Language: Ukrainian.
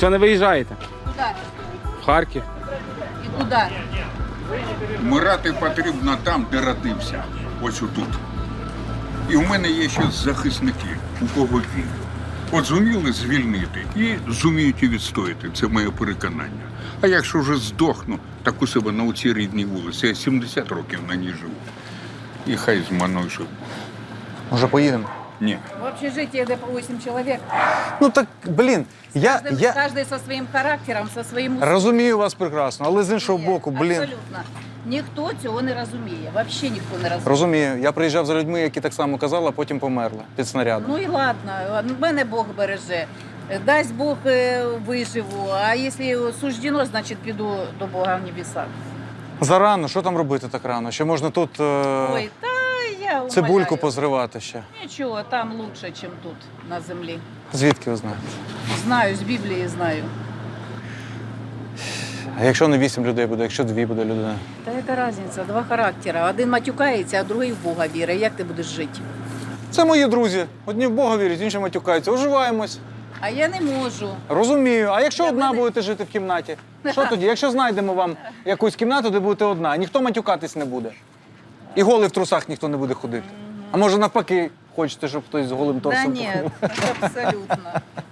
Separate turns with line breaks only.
Чого не виїжджаєте?
Куди?
В Харків.
І куди?
Вмирати потрібно там, де родився. Ось отут. І в мене є ще захисники, у кого вірю. От зуміли звільнити і зуміють і відстояти. Це моє переконання. А якщо вже здохну, так у себе на оцій рідній вулиці. Я 70 років на ній живу. І хай з мною живуть.
Може, поїдемо?
Ні.
В общежитии, где по 8 человек.
Ну так, блін, я
Каждый со своим характером, со своим...
розумію вас прекрасно, але з іншого
Ні,
боку, блін.
Абсолютно. Ніхто цього не розуміє. Взагалі ніхто не розуміє.
Розумію. Я приїжджав за людьми, які так само казали, а потім померли під снарядом.
Ну і ладно, мене Бог береже. Дасть Бог, виживу. А якщо суждено, значить піду до Бога в небеса.
Зарано, що там робити так рано? Ще можна тут
Ой, та я
цибульку
умоляю.
позривати ще.
Нічого, там лучше, ніж тут, на землі.
Звідки ви знаєте?
Знаю, з Біблії знаю.
А якщо не 8 людей буде, якщо 2 буде людина?
Та яка різниця? Два характери. Один матюкається, а другий в Бога вірить. Як ти будеш жити?
Це мої друзі. Одні в Бога вірять, інші матюкаються. Уживаємось.
А я не можу.
Розумію. А якщо
Для
одна
мене-
будете жити в кімнаті? Що тоді? Якщо знайдемо вам якусь кімнату, де будете одна, ніхто матюкатись не буде. І голий в трусах ніхто не буде ходити. А може навпаки, хочете, щоб хтось з голим
Да
торсом
ні,
походив?
абсолютно.